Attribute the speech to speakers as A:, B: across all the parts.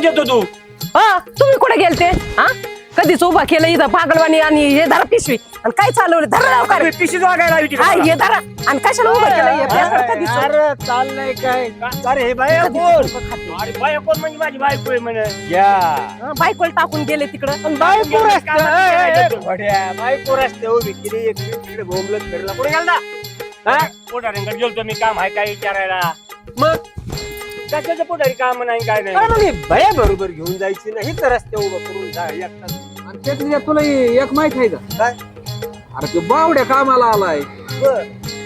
A: येतो तू
B: हा तुम्ही कुठे गेलते हा कधीच उभा केलं इथं पागलवाणी आणि हे धरा पिशवी आणि काय चालवलं धरा लवकर
A: पिशीच वागायला हवी
B: हा हे धरा आणि कशाला उभं केलं हे पेपर कधीच
C: अरे चाललंय काय
A: अरे हे बाया कोण अरे बाया कोण म्हणजे माझी बायको आहे म्हणे
C: या
B: हा, बायकोला टाकून गेले तिकडं
C: बायको
A: काय
C: रस्त्या बायको रस्त्या उभी केली एक तिकडे भोंगलत फिरला कुठे गेला
A: पोटाऱ्यांकडे गेलतो मी काम आहे काय विचारायला मग कशाचं पोटारी काम नाही काय नाही
C: अरे भया बरोबर घेऊन जायची नाही तर रस्त्या उभं करून जा एकटाच.
D: आणि त्यातल्या तुला एक माहित आहे का
C: काय
D: अरे तो बावड्या कामाला आलाय
C: बर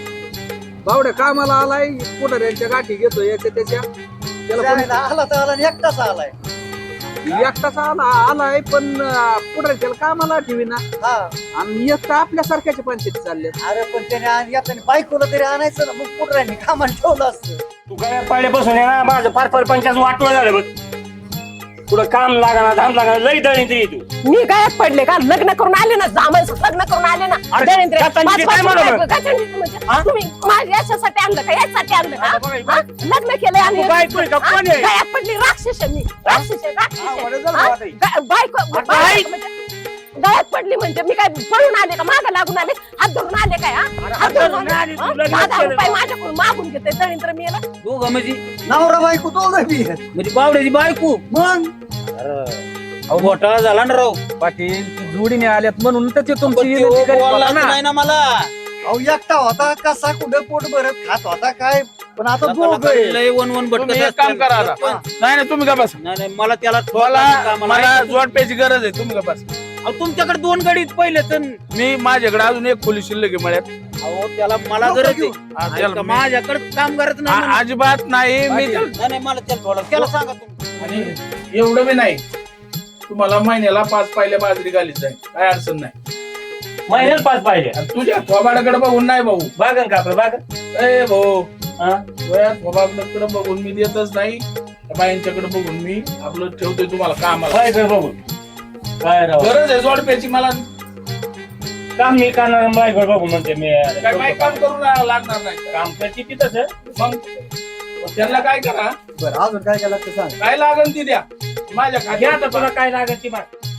D: बावड्या कामाला आलाय पुढाऱ्यांच्या गाठी घेतो याच्या त्याच्या त्याला
C: जायला आला तर आला आणि एकटाच आलाय
D: एकटाच आलाय पण पुढाऱ्याच्या कामाला ठेवी ना
C: हा
D: आणि एक तर आपल्यासारख्याच्या पंचायती चालले
C: अरे पण त्याने येताना बायकोला तरी आणायचं ना मग पुढे कामाला ठेवलं असतं
A: तू काय पाहिल्यापासून आहे ना माझं फार फार पंचायत वाटवं झालं बघ पुढं काम लागाना धाम लागाना लई दळी तरी तू
B: मी गायब पडले का लग्न करून आले ना जामायचं लग्न करून आले ना
A: अरे,
B: देवेंद्र,
A: गातांची
B: पाच
A: काय
B: वर्ष
A: म्हणा
B: बायको, गातांची म्हणजे,
A: हा?
B: तुम्ही माझ्या याच्यासाठी आणलं का याच्यासाठी आणलं का
A: आता बघा,
B: हा? लग्न केलंय आणि
A: तू बायको आहे का? कोण आहे?
B: गायब पडली राक्षस आहे मी राक्षस आहे, राक्षस
A: हा,
B: आहे.
A: वडे झालं
B: हा?
A: बाबा ताई.
B: बायको
A: अरे,
B: बायको म्हणजे गायब पडली म्हणजे मी काय पळून आले का मागं लागून आले हात धरून आले काय हा?
A: अरे,
B: हात धरून
A: धरून आले, तू
B: हा?
A: लग्न
B: 10,000
A: केलं.
B: रुपये माझ्याकडून मागून घेते दळींद्र मी याला
E: दोघं म्हणजे
C: नवरा बायको दोघं बी आहेत.
E: म्हणजे बावड्याची बायको
C: मग
E: अहो घोटाळा झाला ना राव
D: पाटील ती जोडीने आल्यात म्हणून तर ते
E: पण
D: तुमची
E: त्यो
D: विनंती करीत
E: बोललाच
D: होता ना.
E: नाही ना मला
C: अहो एकटा होता कसा कुठं पोट भरत खात होता काय पण आता दोघं आहेत.
E: लय वन वन भटकत
F: तुम्ही एक काम
E: असतं.
F: करा आता. नाही नाही तुम्ही का बस
E: नाही नाही मला त्याला
F: मला जोड प्यायची गरज आहे तुम्ही का बस
E: अहो, तुमच्याकडे दोन गाडीत पहिले तर
F: मी माझ्याकडे अजून एक खोली शिल्लक आहे मळ्यात
E: अहो त्याला मला
C: नको
E: गरज
C: घेऊ.
F: हा,
E: आहे
F: त्याला
E: ऐका,
F: मी-
E: माझ्याकडे काम करत नाही म्हणून.
F: अजिबात नाही मी
D: पाटील.
E: नाही नाही, मला त्याला थोडं त्याला सांगा तुम्ही
F: आणि एवढं बी नाही तुम्हाला महिन्याला 5 पाहिल्या बाजरी घालीत जाईल काय अडचण नाही
A: महिन्याला 5 पाहिजे
F: आणि तुझ्या थोबाडाकडे बघून नाही भाऊ
A: बागन का आपलं बागन
F: ए भाऊ
A: हा?
F: तुझ्या थोबाडाकडे बघून मी देतच नाही त्या बाईंच्याकडे बघून मी आपलं ठेवतोय तुम्हाला कामाला
A: काय कर बघू काय राव
F: गरज आहे जोड प्यायची मला
A: काम मी करणार बायको बघू म्हणते मी
F: काय काही काम करून लागणार नाही
A: काम करते ती तसं
F: मग त्यांना काय करा
C: बरं अजून काय केलं ते सांग
F: काय लागन ती द्या माझ्या
A: घ्या
F: खात्यात
A: आता तुला काय लागत ती माग